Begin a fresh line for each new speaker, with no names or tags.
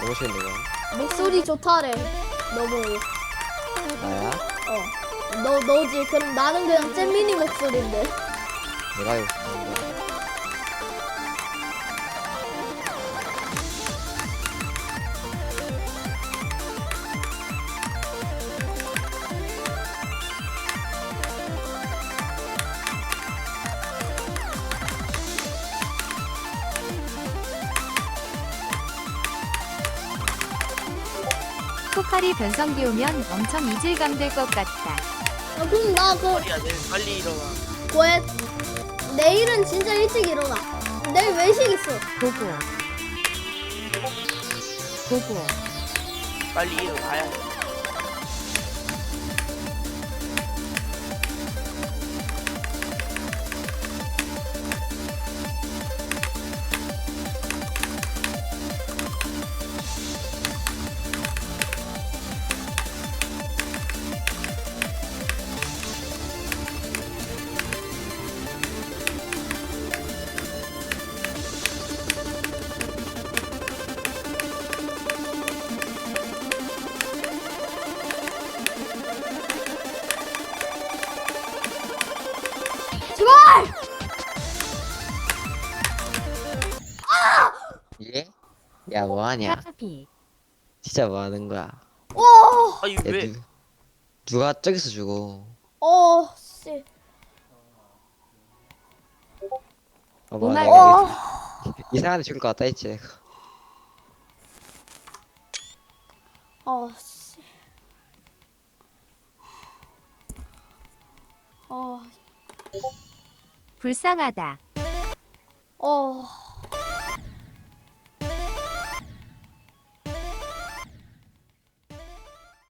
너무 싫은데 이거.
목소리 좋다래. 너무.
나야?
너지. 그럼 나는 그냥 잼민이 목소리인데.
내가 이거 좋은 거야.
포칼이 변성기 오면 엄청 이질감 될 것 같다.
그럼 나
빨리야 내일 빨리 일어나.
왜? 내일은 진짜 일찍 일어나. 내일 외식 있어.
보고. 보고.
빨리 일어나야 돼.
제발!
예? 야 뭐하냐?
카피.
진짜 뭐하는 거야?
아니
야,
왜?
누가 저기서 주고?
씨.
뭐
오마이
내가 이상한 데 죽을 것 같다 했지 내가.
씨. 어,
불쌍하다.
어.